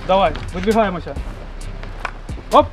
Давай, видвигаємося. Оп!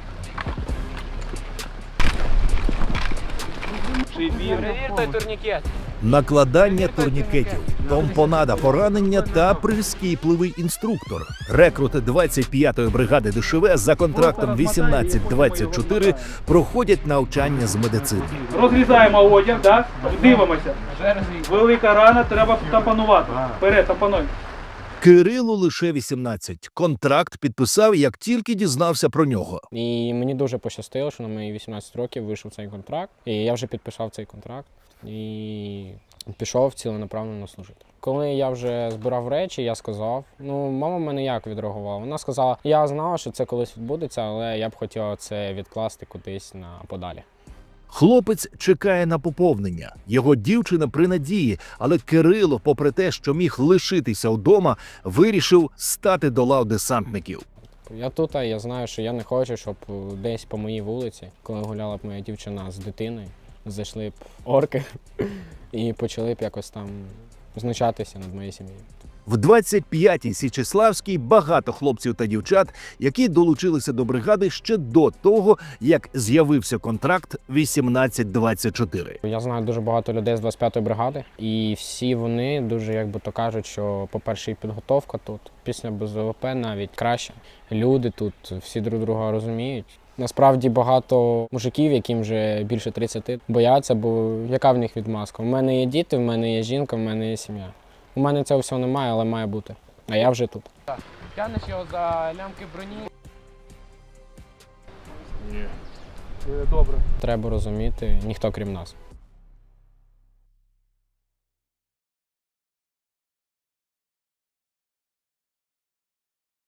Перевірте турнікет. Накладання турнікетів, помпонада поранення та прискіпливий інструктор. Рекрути 25-ї бригади ДШВ за контрактом 18-24 проходять навчання з медицини. Розрізаємо одяг, да? Дивимося. Велика рана, треба тампонувати. Вперед, тампонуй. Кирилу лише 18. Контракт підписав, як тільки дізнався про нього. І мені дуже пощастило, що на мої 18 років вийшов цей контракт. І я вже підписав цей контракт і пішов ціленаправленно служити. Коли я вже збирав речі, я сказав, мама в мене як відреагувала? Вона сказала, я знала, що це колись відбудеться, але я б хотіла це відкласти кудись на подалі. Хлопець чекає на поповнення. Його дівчина при надії, але Кирило, попри те, що міг лишитися вдома, вирішив стати до лав десантників. Я тут, я знаю, що я не хочу, щоб десь по моїй вулиці, коли гуляла б моя дівчина з дитиною, зайшли б орки і почали б якось там знущатися над моєю сім'єю. В 25-й Січеславській багато хлопців та дівчат, які долучилися до бригади ще до того, як з'явився контракт 18-24. Я знаю дуже багато людей з 25-ї бригади, і всі вони дуже, як би то кажуть, що, по-перше, і підготовка тут, після БЗВП навіть краще. Люди тут всі друг друга розуміють. Насправді багато мужиків, яким вже більше 30, бояться, бо яка в них відмазка? У мене є діти, в мене є жінка, в мене є сім'я. У мене цього всього немає, але має бути. А я вже тут. Тягнеш його за лямки броні. Добре. Треба розуміти, ніхто крім нас.